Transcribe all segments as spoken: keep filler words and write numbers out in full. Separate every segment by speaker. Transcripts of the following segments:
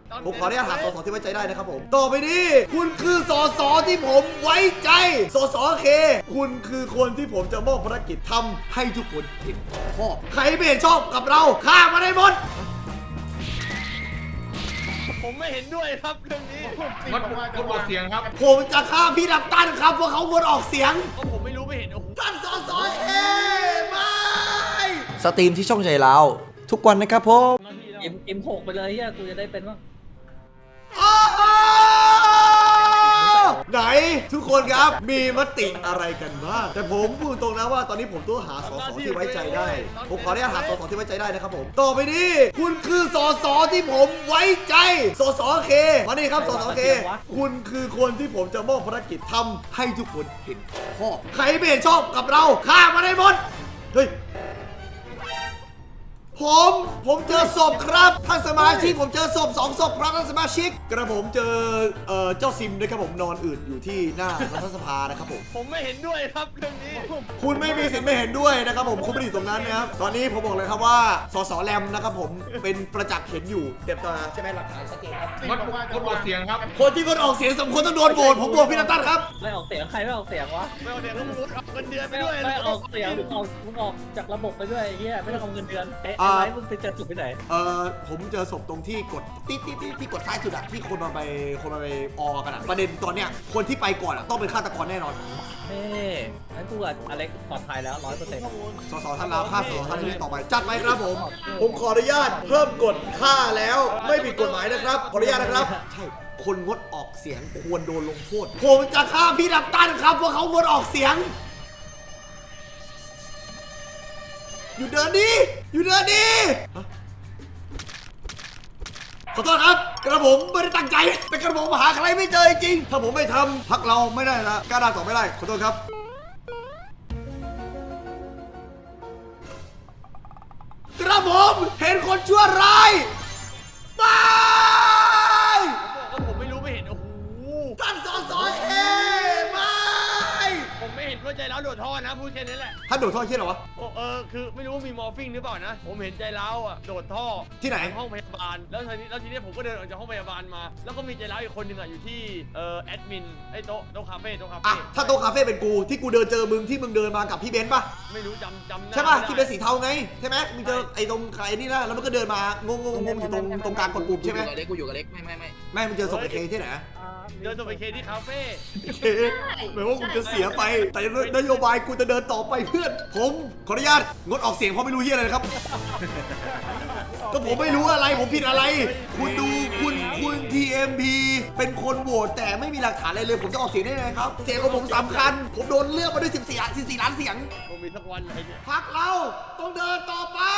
Speaker 1: ผมขออนุญาตหาสสที่ไว้ใจได้นะครับผมต่อไปนี้คุณคือสสที่ผมไว้ใจสสเคคุณคือคนที่ผมจะมอบภารกิจทำให้ทุกคนเห็นชอบใครไม่เห็นชอบกับเราฆ่ามาได้หมด
Speaker 2: ผมไม่เห็นด้วยครับเรื่องนี้
Speaker 3: งดงดออกเสียงครับ
Speaker 1: ผมจะฆ่าพี่ดับตันครับเพราะเขางดออกเสียง
Speaker 2: ก็ผมไม่รู้ไม่เห็นโอ้โห
Speaker 1: ท่านสสเคไม่
Speaker 4: สตรีมที่ช่องใจเราทุกวันนะครับผม
Speaker 5: เอ็มเอ็มหกไปเลยเฮียกูจะได้เป็นบ้าง
Speaker 1: ไหนทุกคนครับมีมติอะไรกันบ้างแต่ผมพูดตรงนะว่าตอนนี้ผมต้องหาสสที่ไว้ใจได้ผมขออนุญาตหาสสที่ไว้ใจได้นะครับผมต่อไปนี้คุณคือสสที่ผมไว้ใจสสเคมานี่ครับสสเคคุณคือคนที่ผมจะมอบภารกิจทำให้ทุกคนเห็นชอบใครไม่เห็นชอบกับเราฆ่ามาได้หมดเฮ้ยผมผมเจอศพครับท่านสมาชิกผมเจอศพสองศพครับท่านสมาชิกกระผมเจอเอ่อเจ้าซิมด้วยครับผมนอนอืดอยู่ที่หน้ารัฐสภานะครับผม
Speaker 2: ผมไม่เห็นด้วยครับเรื่องนี้
Speaker 1: คุณไม่มีสิทธิ์ไม่เห็นด้วยนะครับผมคุณไม่ได้อยู่ตรงนั้นนะครับตอนนี้ผมบอกเลยครับว่าสสแรมนะครับผมเป็นประจักษ์เห็นอยู่เต็มตาใช่ไหมหลักฐานชัดเจนครับ
Speaker 3: งดงดออกเสียงครับ
Speaker 1: คนที่คนออกเสียงสมควรต้องโดนโหวตผมโหวตพี่นัตตันครับ
Speaker 5: ไม่ออกเสียงใครไม่ออกเสียงวะ
Speaker 2: ไม่เอาเดี๋ยวต้องรู้เอาเงินเดือนไป
Speaker 5: ไม่
Speaker 2: ด้วย
Speaker 5: ไม่ออกเสียงมึงออกมึงออกจากระบบไปด้วยเฮียไม่ต้องเอาเงินเดือนเอ๊ะไอ้มึงไปเจอจุดไปไหน
Speaker 1: เอ่อผมเจอศพตรงที่กดติ๊ดติ๊ดติ๊ดที่กดซ้ายสุดอะที่คนมาไปคนมาไปออกันอะประเด็นตอนเนี้ยคนที่ไปก่อนอะต้องเป็นฆาตกรแน่นอน
Speaker 5: เฮ้งั้นกูกับอเล็กปลอดภัยแล้วร้อยเปอร์เซ็นต์
Speaker 1: สสท่านลาวฆ่าสสท่านนี้ต่อไปจัดไหมครับผมผมขออนุญาตเพิ่มกฎฆ่าแล้วไม่ผิดกฎหมายนะครับขออนุญาตนะครับใช่คนงดออกเสียงควรโดนลงโทษผมจะฆ่าพี่ดับตันครับเพราะเขางดออกเสียงอยู่เดินดีอยู่เดินดีขอโทษครับกระผมไม่ได้ตั้งใจแต่กระผมหาใครไม่เจอจริงถ้าผมไม่ทำพักเราไม่ได้นะกล้าด่าต่อไม่ได้ขอโทษครับกระผมเห็นคนชั่วร้ายไป
Speaker 2: ผมบอกว่าผมไม่รู้ไม่เห็นโอ้โห
Speaker 1: ท่านสสเคไม่
Speaker 2: ผมไม่เห็นว่าใจร้าวโดดท่อนะพูดแค่นี้แหละ
Speaker 1: ท่านโดดท่อเชี่ยเหรอวะ
Speaker 2: โอ้เออคือไม่รู้ว่ามีมอร์ฟิงหรือเปล่านะผมเห็นใจร้าวอ่ะโดดท่อ
Speaker 1: ที่ไหน
Speaker 2: ห้องพยาบาลแล้วทีนี้แล้วทีนี้ผมก็เดินออกจากห้องพยาบาลมาแล้วก็มีใจร้าวอีกคนหนึ่งอ่ะอยู่ที่เอ่อแอดมินไอ้โต๊ะโต๊ะคาเฟ่โต๊ะคา
Speaker 1: อ่ะ
Speaker 2: เฟ่
Speaker 1: ถ้าโต๊ะคาเฟ่เป็นกูที่กูเดินเจอมึงที่มึงเดินมากับพี่เบนซ์ป่ะ
Speaker 2: ไม่รู้จำจำหน้า
Speaker 1: ใช่ป่ะ
Speaker 2: ไม่ได้
Speaker 1: ที่เป็นสีเทาไงใช่ไหมมึงเจอไอ้ตรงใครนี่นะแล้วมันก็เดินมางงงงงอยู่ตรงตรงกลางกดปุ่มใช่ไหม
Speaker 6: กูอยู่กับเล็กกูอยู่กับเล็กไม่ไม่ไม่
Speaker 1: ไม่มึงเจอศพไอ้เคที่ไหน
Speaker 2: เดินตัวไปเคที่คาเฟ่
Speaker 1: เคหมายว่ามึงจะเสียไปแต่นโยบายกูจะเดินต่อไปเพื่อนผมขออนุญาตงดออกเสียงเพราะไม่รู้เหี้ยอะไรนะครับ ก็ผมไม่รู้อะไรผมผิดอะไร คุณดูคุณคุณ ที เอ็ม พี เป็นคนโหวตแต่ไม่มีหลักฐานอะไรเลยผมจะออกเสียงได้ไงครับเสียงของผมสำคัญผมโดนเลือกมาด้วยสิบสี่ สิบสี่ล้านเสียง
Speaker 2: ผมมีสักวันไหนเนี่ย
Speaker 1: พักเราต้องเดินต่อไป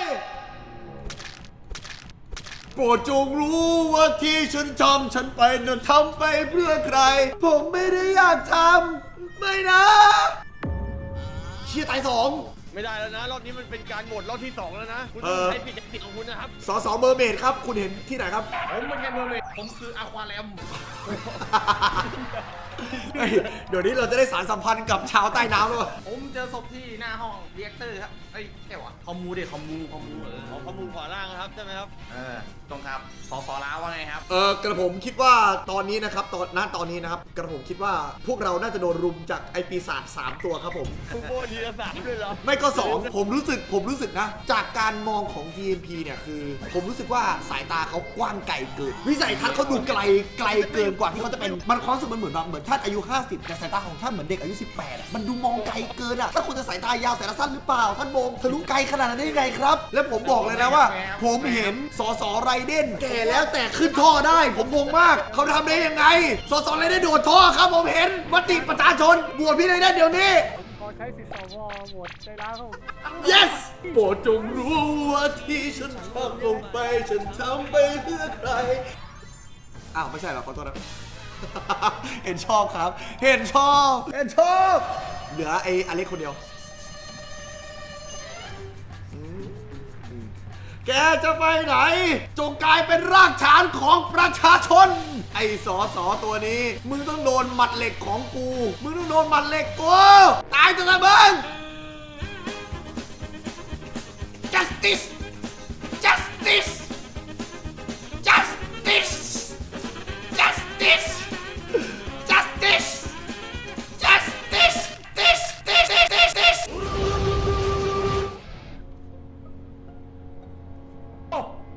Speaker 1: โปรดจงรู้ว่าที่ฉันทำฉันไปนั้นทำไปเพื่อใครผมไม่ได้อยากทำไม่นะเชี่ยตายสอง
Speaker 2: ไม่ได้แล้วนะรอบนี้มันเป็นการโหวตรอบที่สองแล้วนะคุณ
Speaker 1: เอ
Speaker 2: ต้อง
Speaker 1: อ
Speaker 2: ใช้ผิดสิทธิ์ของคุณนะครับ
Speaker 1: สสเมอร์เมดครับคุณเห็นที่ไหนครับ
Speaker 3: ผมไม่ใช่เมอร์เมดผมคืออะควาแรม
Speaker 1: เฮ้ยเดี๋ยวนี้เราจะได้สารสัมพันธ์กับชาวใต้น้ำแล้ววะ
Speaker 3: ผมเจอศพที่หน้าห้องเรียกเตอร์ครับเอ้ยแค่วะคอมมูดิคอมมูคอมมูเออ
Speaker 2: ของข้อมูลขวาล่างนะครับใช่ไหมครับ
Speaker 3: เออตรงครับสอสอล้าว่าไงครับ
Speaker 1: เออกระผมคิดว่าตอนนี้นะครับตอนณตอนนี้นะครับกระผมคิดว่าพวกเราน่าจะโดนรุมจากไอปีศาจสามตัวครับผม
Speaker 2: คุณโบทีละสามด้วยเหรอ
Speaker 1: ไม่ก็สองผมรู้สึกผมรู้สึกนะ จากการมองของ ที เอ็ม พี เนี่ยคือ ผมรู้สึกว่าสายตาเขากว้างไกลเกินวิสัยทัศน์เขาดูไกลไกลเกินกว่าที่เขาจะเป็นมันความรู้สึกมันเหมือนแบบเหมือนท่านอายุห้าสิบแต่สายตาของท่านเหมือนเด็กอายุสิบแปดอะมันดูมองไกลเกินอะถ้าคุณจะสายตายาวแต่ละสั้นหรือเปล่าท่านมองทะลุไกลขนาดนั้นได้ยังไงครับ และผมบอกเลยนะว่า ผมเห็นสสไรเดนแก่แล้วแต่ขึ้นท่อได้ ผมงงมากเขาทำได้ยังไงสสไรเดนโดดท่อครับผมเห็นมติประชาชนบวชพี่ไรเดนเดี๋ยวนี้
Speaker 7: ขอใช้สิทธิ์สวโหวตใจร้าวครับผม
Speaker 1: yes โปรดจงรู้ว่าที่ฉันทำลงไปฉันทำไปเพื่อใครอ้าวไม่ใช่เหรอขอโทษนะ เห็นชอบครับ เห็นชอบ เห็นชอบ เหลือไอ้อเล็กคนเดียวอืมอืมแกจะไปไหน จงกลายเป็นรากฐานของประชาชน ไอ้สอสอตัวนี้ มึงต้องโดนหมัดเหล็กของกู มึงต้องโดนหมัดเหล็กกูตายจะตะเบิง justice justice justice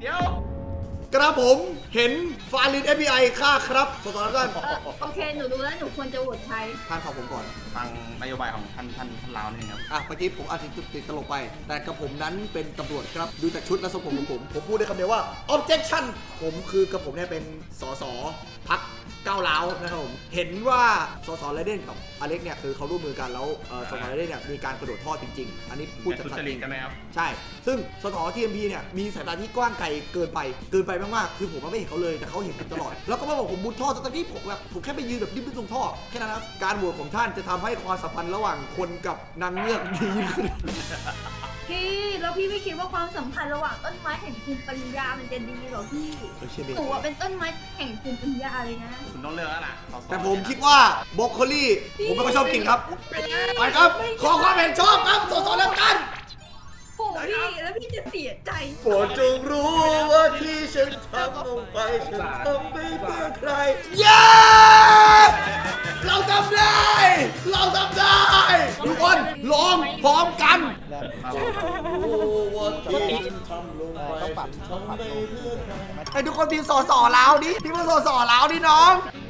Speaker 3: เดี๋ยว
Speaker 1: กระผมเห็นฟาลิน เอฟ บี ไอ ฆ่าครับสสแล้วกัน
Speaker 6: เออโอเค หนูรู้แล้ว หนูควรจะโหวตใคร
Speaker 1: ท่านฟังผมก่อน
Speaker 3: ฟังนโยบายของท่านท่านท่านลาวนี่ครับ
Speaker 1: อ่ะเมื่อกี้ผมอาจจะติดตลกไป แต่กระผมนั้นเป็นตำรวจครับ ดูจากชุดและทรงผมของผม ผมพูดได้คำเดียวว่า objection ผมคือกระผมเนี่ยเป็นสสพักก้าวร้าวนะครับผม เห็นว่าสสไรเดนกับอเล็กเนี่ยคือเขาร่วมมือกันแล้วเอ่อสสไรเดนเนี่ยมีการกระโดดท่อจริงๆ อันนี้พูดจาก
Speaker 3: ทุ
Speaker 1: สั
Speaker 3: จ
Speaker 1: ตว์
Speaker 3: ริ
Speaker 1: จ
Speaker 3: ต
Speaker 1: ริง
Speaker 3: กันไหมครับ
Speaker 1: ใช่ ซึ่งสสทีเอ็มพีเนี่ยมีสายตาที่กว้างไกลเกินไป เกินไปมากๆ คือผมไม่เห็นเขาเลย แต่เขาเห็นผมตลอด แล้วก็มาบอกผมมุดท่อแต่ตอนนี้ผมแบบผมแค่ไปยืนแบบดิ้นๆตรงท่อ แค่นั้นครับ การโหวตของท่านจะทำให้ความสัมพันธ์ระหว่างคนกับนางเงือกดีขึ้น
Speaker 6: พี่ แล้วพี่ไม่คิดว่าความสัมพันธ์ระหว่างต้นไม้แห่งภูมิปัญญา มันจะดีเหรอพี่
Speaker 1: เออเชื่อดิ
Speaker 6: หนูอะเป็นต้นไม้แห่งภูมิปัญญาเลยนะ
Speaker 3: คุณต้องเลือกแล้วล่ะสส
Speaker 1: แต่ผมคิดว่าบรอกโคลี่ผมไม่ค่อยชอบกินครับ ไปครับ ขอความเห็นชอบครับสสเลือกตั้ง
Speaker 6: โอ้พี่ แล้วพี่จะเสียใจ
Speaker 1: โปรดจงรู้ว่าที่ฉันทำลงไปฉันทำไม่เพื่อใคร เย้ เราทำได้ เราทำได้ ทุกคนร้องพร้อมกันรู้ว่าที่ฉันทำลงไปฉันทำไม่เพื่อใครไอ้ทุกคนพิมพ์สอสอแล้วดิพิมพ์สอสอแล้วดิน้อง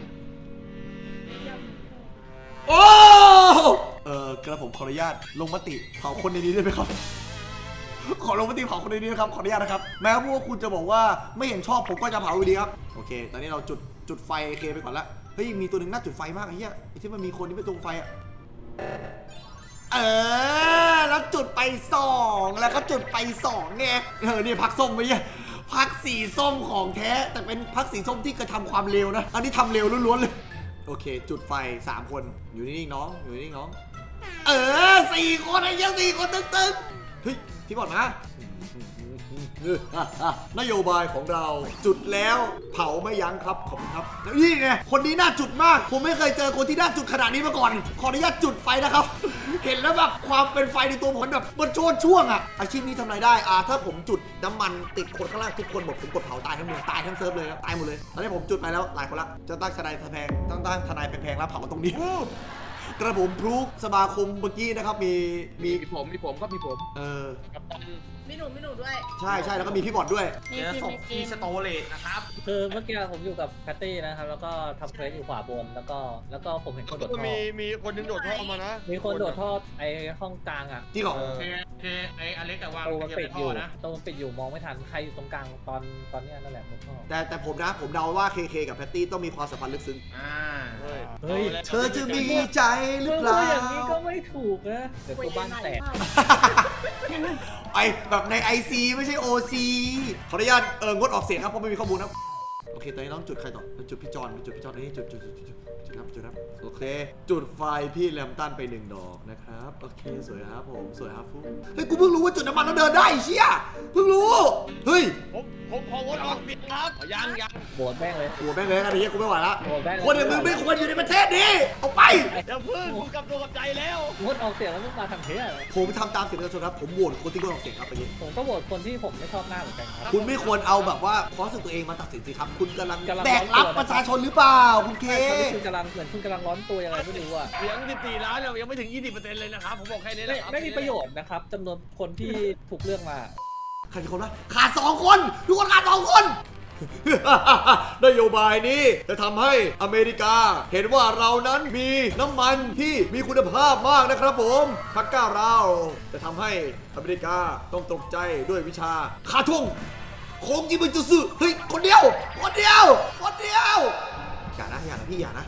Speaker 1: โอ้ เออกระผมขออนุญาตลงมติเผาคนในนี้ได้ไหมครับ ขอลงมติเผาคนในนี้นะครับ ขออนุญาตนะครับ แม้ว่าคุณจะบอกว่าไม่เห็นชอบผมก็จะเผาอยู่ดีครับ โอเค ตอนนี้เราจุดจุดไฟเคไปก่อนละ เฮ้ย มีตัวหนึ่งน่าจุดไฟมากไอ้เหี้ยไอ้ที่มันมีคนที่ไปตรงไฟอะเออ แล้วจุดไปสองแล้วก็จุดไปสองไง เออ นี่พักส้มไปเนี่ยพักสีส้มของแท้ แต่เป็นพักสีส้มที่กระทำความเร็วนะ อันนี้ทำเร็วล้วนๆเลย โอเค จุดไฟสามคน อยู่นิ่งๆน้อง อยู่นิ่งๆน้อง เออสี่คนไอ้เหี้ยังสี่คนตึงๆ เฮ้ย พี่บอลมานโยบายของเราจุดแล้วเผาไม่ยั้งครับขอบคุณครับแล้วนี่ไงคนนี้น่าจุดมาก ผมไม่เคยเจอคนที่น่าจุดขนาดนี้มาก่อน ขออนุญาตจุดไฟนะครับ เห็นแล้วแบบความเป็นไฟในตัวผมแบบมันโชนช่วงอะอาชีพนี้ทำอะไรได้อ่าถ้าผมจุดน้ำมันติดคนข้างล่างทุกคนบอกผมกดเผาตายทั้งเมืองตายทั้งเซิร์ฟเลยครับตายหมดเลยตอนนี้ผมจุดไปแล้วหลายคนละจะตั้งทนายแพงตั้งตั้งทนายแพงๆแล้วเผาตรงนี้กระผมพรูกสมาคมเมื่อกี้นะครับมีมี
Speaker 2: มีผมมีผมก็มีผม
Speaker 1: เออ
Speaker 2: กับตัน
Speaker 6: มีหนูมีหนูด้วย
Speaker 1: ใช่ใช่แล้วก็มีพี่บอดด้วย
Speaker 3: เจอศพที่สโตเลตนะครับ
Speaker 5: คือเมื่อกี้ผมอยู่กับแพตตี้นะครับ แล้วก็ทำเควสอยู่ขวาบน แล้วก็แล้วก็ผมเห็นคนโดด
Speaker 2: ก็
Speaker 5: ท่อ
Speaker 2: มีมีคนหนึงโดดท่อมานะ
Speaker 5: มีคนโดดท่อไอห้องกลางอ่ะ
Speaker 1: จริงเหรอ
Speaker 2: เอ
Speaker 3: โอ
Speaker 2: อ
Speaker 3: เคโอเคไออเล็กแต่วาง
Speaker 5: ตัวมัน
Speaker 3: เกีย
Speaker 5: ปิด
Speaker 3: ร์
Speaker 5: อ
Speaker 3: ท่อยู่ นะ
Speaker 5: ตัวมันปิดอยู่มองไม่ทันใครอยู่ตรงกลางตอนตอนเนี้ยนั่นแหละบนท่อ
Speaker 1: แต่แต่ผมนะผมเดาว่าเคเคกับแพตตี้ต้องมีความสัมพันธ์ลึกซึ้ง
Speaker 3: อ่า
Speaker 2: เฮ้ย
Speaker 5: เฮ้ย
Speaker 1: เธอจะมีใจหรือ
Speaker 5: เมื่อ
Speaker 1: เปล่า
Speaker 5: อย่างนี้ก็ไม่ถูกนะเดี๋ยวตัวบ้านแตก
Speaker 1: ไอแบบใน ไอ ซี ไม่ใช่ โอ ซี ขออนุญาตเอองดออกเสียงครับเพราะไม่มีข้อมูลครับโอเคตอนนี้ต้องจุดใครต่อจุดพี่จอนจุดพี่จอนนี่จุดจุดจุดจุดจุดครับจุดครับโอเค จุดไฟพี่แลมตันไปหนึ่งดอกนะครับโอเคสวยครับผมสวยครับฟูเฮ้ยกูเพิ่งรู้ว่าจุดน้ำมันแล้วเดินได้เชี่ยเพิ่งรู้เฮ้ย
Speaker 2: ผมผมขอวนออกเสียงครับยังยัง
Speaker 5: โบดแม่งเลย
Speaker 1: โอ้แม่งเลยกันไอ้เหี้ยกูไม่ไหวละ
Speaker 5: โบดแม่งเลย
Speaker 1: คนอย่างมึงไม่ควรอยู่ในประเทศนี้เอาไป
Speaker 2: เดี๋ยวพึ่งผมกลับตัวกับใจแล้ว
Speaker 5: งดออกเสียงแล้วมึงมาทำเพี้ยอะไร
Speaker 1: ผมทำตามเสียงประชาชนครับผมโหวตคนที่งดออกเสียงครับไปนี้
Speaker 5: ผมก็โหวตคนที่ผมไม่ชอบหน้าเหมือนกันครับ
Speaker 1: คุณไม่ควรเอาแบบว่าความรู้สึกตัวเองมาตัดสินสิครับ คุณกำลัง
Speaker 5: กำลัง
Speaker 1: แบกรับประชาชนหรือเปล่าคุณเค
Speaker 5: ตอนนี้คุณกำลังเหมือนคุณกำลังร้อนตัวยังไงไม่รู้อ่ะ
Speaker 2: เสียงสิบสี่ล้านเนี่ยยังไม่ถึงยี่สิบเปอร์เซ็นต์เลยนะครับผมบอกแค่นี้แห
Speaker 5: ไม่
Speaker 2: ละครับ
Speaker 5: ไม่มีประโยชน์นะครับจำนวนคนที่ถูกเลือกมา
Speaker 1: ขาดกี่คนวะขาดสองคนทุกคนขาดสองคน นโยบายนี้จะทำให้อเมริกา เห็นว่าเรานั้นมีน้ำมันที่มีคุณภาพมากนะครับผมพักก้าวเราจะทำให้อเมริกาต้องตกใจด้วยวิชาคาทงโคงจิมันจะซื้อเฮ้ยคนเดียวคนเดียวคนเดียวอย่านะอย่านะพี่อย่านะ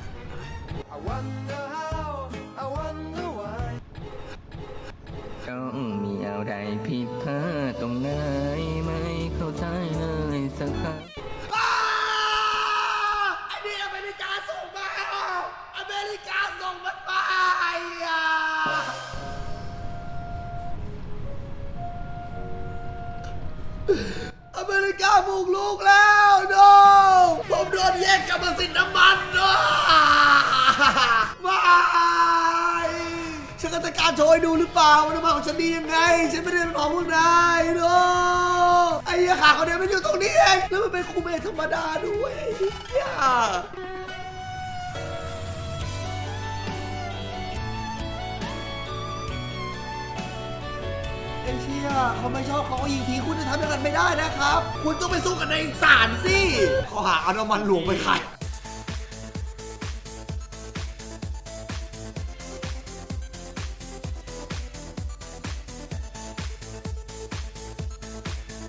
Speaker 8: ต้องมีอะไรผิดพลาดตรงไหนไม่เข้าใจเลยสักครั้ง
Speaker 1: อ้าไอ้นี่อเมริกาส่งมาอเมริกาส่งมันมาอ่ะอเมริกาบุกลูกแล้วโนผมโดนแย่งกรรมสิทธิ์น้ำมันเนาะไม่ฉันก็จะการโชว์ให้ดูหรือเปล่าว่าน้ำมันของฉันดียังไงฉันไม่ได้เป็นของพวกนายโนไอ้เหี้ยขาเขาเดินไม่อยู่ตรงนี้เองแล้วมันเป็นคูเมธรรมดาด้วยไอ้เหี้ยไอ้อ้เชี่ยเขาไม่ชอบเขาก็ยิงทีคุณจะทำอย่างนั้นไม่ได้นะครับ คุณต้องไปสู้กันในศาลสิข้อหาเอาน้ำมันหลวงไปขาย